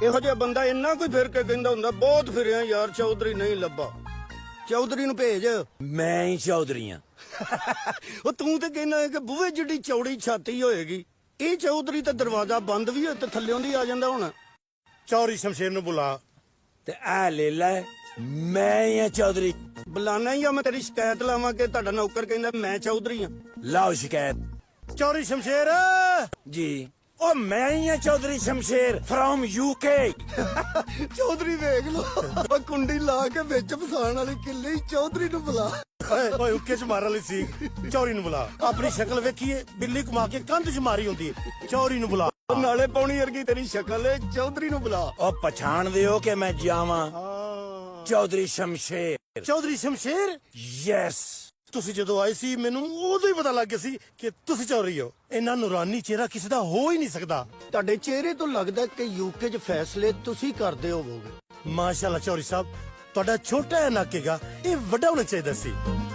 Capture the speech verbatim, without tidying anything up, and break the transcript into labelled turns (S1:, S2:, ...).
S1: ਇਹੋ ਜਿਹਾ ਬੰਦਾ ਇੰਨਾ ਕੋਈ ਫਿਰ ਕੇ ਕਹਿੰਦਾ ਹੁੰਦਾ ਬਹੁਤ ਫਿਰਿਆ ਯਾਰ ਚੌਧਰੀ ਨਹੀਂ ਲੱਭਾ। ਚੌਧਰੀ ਨੂੰ ਭੇਜ।
S2: ਮੈਂ ਹੀ ਚੌਧਰੀ ਆ।
S1: ਉਹ ਤੂੰ ਤੇ ਕਹਿੰਦਾ ਕਿ ਬੂਹੇ ਜਿੱਡੀ ਚੌੜੀ ਛਾਤੀ ਹੋਏਗੀ। ਇਹ ਚੌਧਰੀ ਤਾਂ ਦਰਵਾਜ਼ਾ ਬੰਦ ਵੀ ਹੋਏ ਤੇ ਥੱਲਿਓਂ ਦੀ ਆ ਜਾਂਦਾ ਹੁਣ।
S3: ਚੌਧਰੀ ਸ਼ਮਸ਼ੇਰ ਨੂੰ ਬੁਲਾ
S2: ਤੇ ਆ ਲੈ ਲੈ, ਮੈਂ ਹੀ ਆ ਚੌਧਰੀ।
S1: ਬੁਲਾਣਾ ਹੀ ਆ। ਮੈਂ ਤੇਰੀ ਸ਼ਿਕਾਇਤ ਲਾਵਾਂ ਕਿ ਤੁਹਾਡਾ ਨੌਕਰ ਕਹਿੰਦਾ ਮੈਂ ਚੌਧਰੀ ਆ।
S2: ਲਾਓ ਸ਼ਿਕਾਇਤ।
S3: ਚੌਧਰੀ ਸ਼ਮਸ਼ੇਰ
S2: ਜੀ ਉਹ ਮੈਂ ਹੀ ਆ ਚੌਧਰੀ ਸ਼ਮਸ਼ੇਰ ਫਰੋਮ ਯੂਕੇ।
S1: ਚੌਧਰੀ ਵੇਖ ਲੋ ਉਹ ਕੁੰਡੀ ਲਾ ਕੇ ਵਿੱਚ ਫਸਾਣ ਵਾਲੀ ਕਿੱਲੀ ਚੌਧਰੀ ਨੂੰ ਬੁਲਾ।
S3: ਓਏ ਓਏ ਉੱਕੇ ਚ ਮਾਰਨ ਲਈ ਸੀ। ਚੌਧਰੀ ਨੂੰ ਬੁਲਾ। ਆਪਣੀ ਸ਼ਕਲ ਵੇਖੀਏ, ਬਿੱਲੀ ਘੁਮਾ ਕੇ ਕੰਧ ਚ ਮਾਰੀ ਹੁੰਦੀ ਹੈ। ਚੌਧਰੀ ਨੂੰ ਬੁਲਾ।
S1: ਨਾਲੇ ਪੌਣੀ ਵਰਗੀ ਤੇਰੀ ਸ਼ਕਲ ਏ। ਚੌਧਰੀ ਨੂੰ ਬੁਲਾ।
S2: ਉਹ ਪਛਾਣਦੇ ਹੋ ਕਿ ਮੈਂ ਜਾਵਾਂ ਚੌਧਰੀ ਸ਼ਮਸ਼ੇਰ।
S3: ਚੌਧਰੀ ਸ਼ਮਸ਼ੇਰ
S2: ਯੈਸ।
S3: ਤੁਸੀਂ ਜਦੋਂ ਆਏ ਸੀ ਮੈਨੂੰ ਉਦੋਂ ਹੀ ਪਤਾ ਲੱਗ ਗਿਆ ਸੀ ਕਿ ਤੁਸੀਂ ਚੌਧਰੀ ਹੋ। ਇੰਨਾ ਨੂਰਾਨੀ ਚਿਹਰਾ ਕਿਸੇ ਦਾ ਹੋ ਹੀ ਨਹੀਂ ਸਕਦਾ।
S1: ਤੁਹਾਡੇ ਚਿਹਰੇ ਤੋਂ ਲੱਗਦਾ ਕਿ ਯੂਕੇ 'ਚ ਫੈਸਲੇ ਤੁਸੀਂ ਕਰਦੇ ਹੋਵੋਗੇ।
S3: ਮਾਸ਼ਾਅੱਲਾ ਚੌਧਰੀ ਸਾਹਿਬ, ਤੁਹਾਡਾ ਛੋਟਾ ਹੈ ਨਾਕੇਗਾ ਇਹ ਵੱਡਾ ਹੋਣਾ ਚਾਹੀਦਾ ਸੀ।